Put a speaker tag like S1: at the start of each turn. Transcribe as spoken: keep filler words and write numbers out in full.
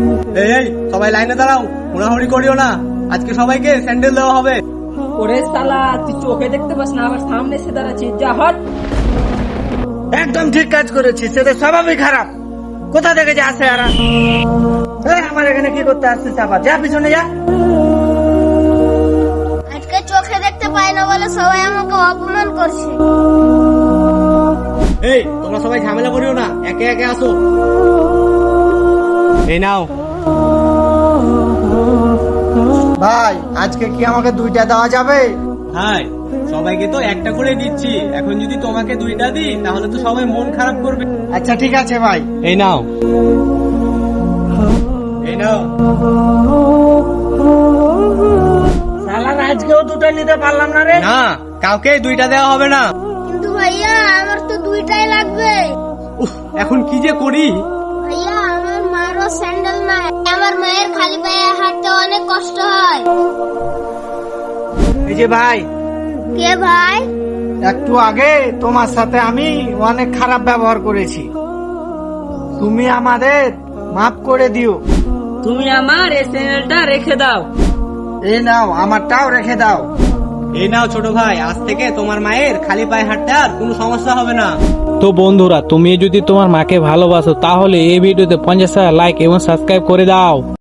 S1: এই এই সবাই লাইনে দাঁড়াও, হুড়াহুড়ি করিও না, আজকে সবাইকে স্যান্ডেল দেওয়া হবে।
S2: ওরে শালা, তুই চোখে দেখতে পাস না, আবার সামনে এসে দাঁড়াচ্ছিস, যা হট।
S3: একদম ঠিক কাজ করেছিস, সেটা স্বভাবই খারাপ। কোথা থেকে যে আসে আর আমার এখানে কি করতে আসছিস? আবার যা পিছনে যা।
S4: আজকে চোখে দেখতে পাই না বলে সবাই আমাকে অপমান করছে।
S1: এই তোমরা সবাই ঝামেলা করিও না, একে একে আসো। এই নাও।
S3: ভাই আজকে কি আমাকে দুইটা দেওয়া যাবে?
S1: হাই, সবাইকে তো একটা করে দিচ্ছি, এখন যদি তোমাকে দুইটা দিই তাহলে তো সবাই মন খারাপ করবে।
S3: আচ্ছা ঠিক আছে ভাই।
S1: এই নাও, এই নাও।
S3: শালা আজকেও দুটো নিতে পারলাম না রে।
S1: না, কাউকে দুইটা দেওয়া হবে না।
S4: কিন্তু ভাইয়া আমার তো দুইটাই লাগবে।
S1: উফ, এখন কি যে করি।
S4: ভাইয়া আমার মারও স্যান্ডেল নাই, আমার মায়ের খালি পায়ে হাঁটতে অনেক কষ্ট হয়।
S3: এই যে ভাই,
S4: কে ভাই?
S3: একটু আগে তোমার সাথে আমি অনেক খারাপ ব্যবহার করেছি, তুমি আমাদের মাফ করে দিও।
S2: তুমি আমার এই চ্যানেলটা রেখে দাও।
S3: এই নাও, আমারটাও রেখে দাও।
S1: এই নাও ছোট ভাই, আজ থেকে তোমার মায়ের খালি পায়ে হাঁটতে আর কোনো সমস্যা হবে না।
S5: তো বন্ধুরা, তুমি যদি তোমার মাকে ভালোবাসো তাহলে এই ভিডিওতে পঞ্চাশ হাজার লাইক এবং সাবস্ক্রাইব করে দাও।